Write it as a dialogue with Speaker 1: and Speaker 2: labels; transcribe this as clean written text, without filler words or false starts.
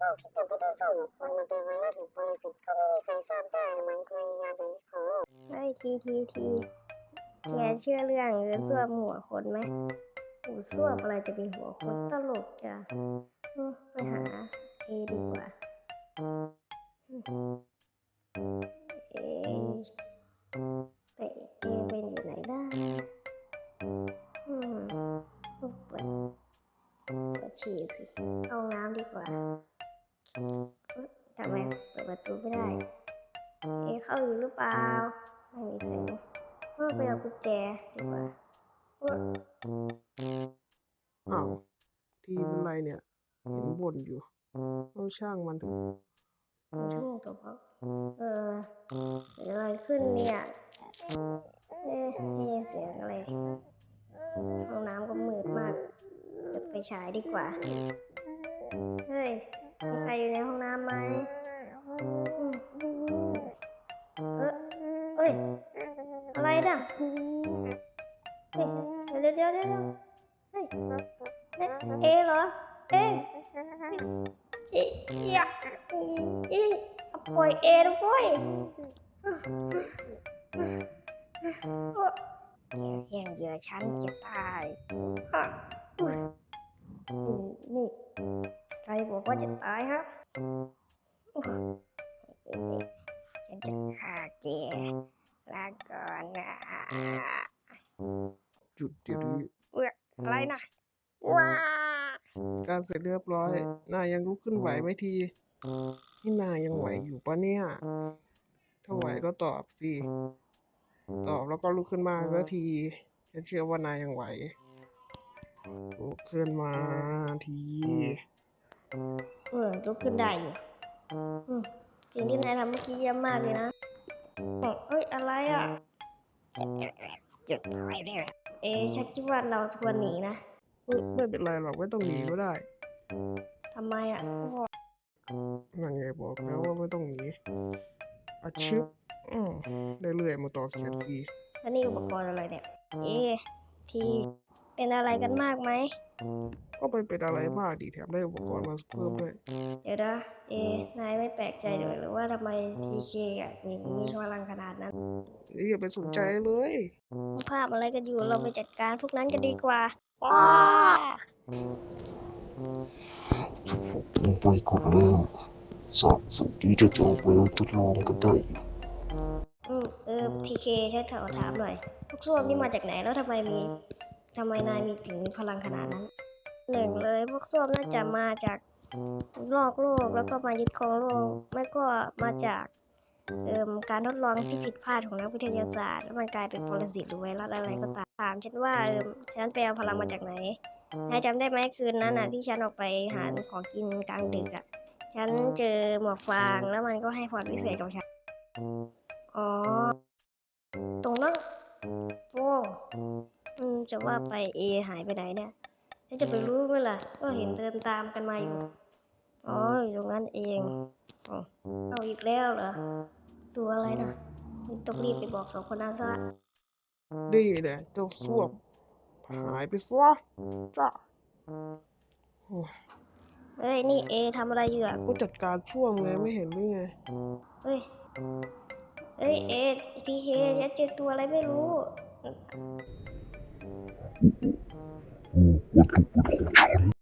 Speaker 1: ก็คิดจะไปดูศพคนมันเป็นไวรัสหรือบริสุทธิ์ก็ไม่มีใครทราบได้มันคือยาดีของโลก
Speaker 2: เฮ้ยทีแกเชื่อเรื่องส้วมหัวคนไหมหูส้วมอะไรจะเป็นหัวคนตลกจ้ะไปหาเอดีกว่าเอเป็นอยู่ไหนได้เปิดฉี่สิเข้าห้องน้ำดีกว่าทำไมเปิดประตูไม่ได้เข้าอยู่หรือเปล่าไม่มีเสียงไปเอากุญแจดีกว่า
Speaker 3: อ้าวทีเป็นไรเนี่ยเห็นบ่นอยู่เอาช่างมันเถอะ
Speaker 2: ชั่วโมงตัวเขาเกิดอะไรขึ้นเนี่ยเสียงอะไรห้องน้ำก็มืดมากเปิดไฟฉายดีกว่าเฮ้ยมีใครอยู่ในห้องน้ำไหมเอ้ยอะไรน่ะเฮ้ยเดี๋ยวเฮ้ยเหรออย่าปล่อยนะปล่อยแย่งเหยื่อฉันจะตายนี่ใครบอกว่าจะตายฮะฉันจะฆ่าแกลาก่อนนะ
Speaker 3: จุดเดี๋ยวนี้
Speaker 2: อะไรนะว้า
Speaker 3: การเสร็จเรียบร้อยนายยังลุกขึ้นไหวไหมทีนี่นายยังไหวอยู่ปะเนี่ยถ้าไหวก็ตอบสิตอบแล้วก็ลุกขึ้นมาสักทีฉันเชื่อว่านายยังไหวลุกขึ้นมาที
Speaker 2: ลุกขึ้นได้อยู่สิ่งที่นายทำเมื่อกี้เยี่ยมมากเลยนะอะไรอ่ะจุดอะไรเนี่ยฉันคิดว่าเราควรหนีนะ
Speaker 3: ไม่เป็นไรหรอกไม่ต้องหนีก็ได้
Speaker 2: ทำไมอ่ะ
Speaker 3: นั่นไงบอกแล้วว่าไม่ต้องหนีอาชิบได้เรื่อยมาต่อเขียนที
Speaker 2: แล้วนี่อุปกรณ์อะไรเนี่ยทีเป็นอะไรกันมากไหม
Speaker 3: ก็ไม่เป็นอะไรมากดีแถมได้อุปกรณ์มาเพิ่มด้วย
Speaker 2: เดี๋ยวนะนายไม่แปลกใจเลยหรือว่าทำไมทีเคมีพลังขนาดนั้น
Speaker 3: อย่าไปสนใจเลย
Speaker 2: ภาพอะไรกันอยู่เราไปจัดการพวกนั้นกันดีกว่า
Speaker 4: ลงไปก่อนแล้วสัตว์สุดที่จะออกไปทดลองกันได้
Speaker 2: ทีเคฉันขอถามหน่อยพวกส้วมนี่มาจากไหนแล้วทำไมนายถึงมีพลังขนาดนั้นหนึ่งเลยพวกส้วมน่าจะมาจากนอกโลกแล้วก็มายึดครองโลกไม่ก็มาจากการทดลองที่ผิดพลาดของนักวิทยาศาสตร์แล้วมันกลายเป็นปรสิตหรือไวรัสอะไรก็ตามถามฉันว่าฉันไปเอาพลังมาจากไหนนายจำได้ไหมคืนนั้นที่ฉันออกไปหาของกินกลางดึกฉันเจอหมวกฟางแล้วมันก็ให้พรพิเศษกับฉันอ๋อตรงนั้นโอ้จะว่าไปหายไปไหนเนี่ยฉันจะไปรู้ไหมล่ะก็เห็นเดินตามกันมาอยู่อยู่ตรงนั้นเองเอาอีกแล้วเหรอตัวอะไรนะต้องรีบไปบอก2 คนนั้นซะ
Speaker 3: ดีเนี่ยเจ้าส้วมหายไปซะจ้า
Speaker 2: นี่ทำอะไรอยู่
Speaker 3: ก็จัดการส้วมไงไม่เห็นหรือไง
Speaker 2: เฮ้ยทีเคฉันเจอตัวอะไรไม่รู้
Speaker 4: วัตถุประสงค์ฉัน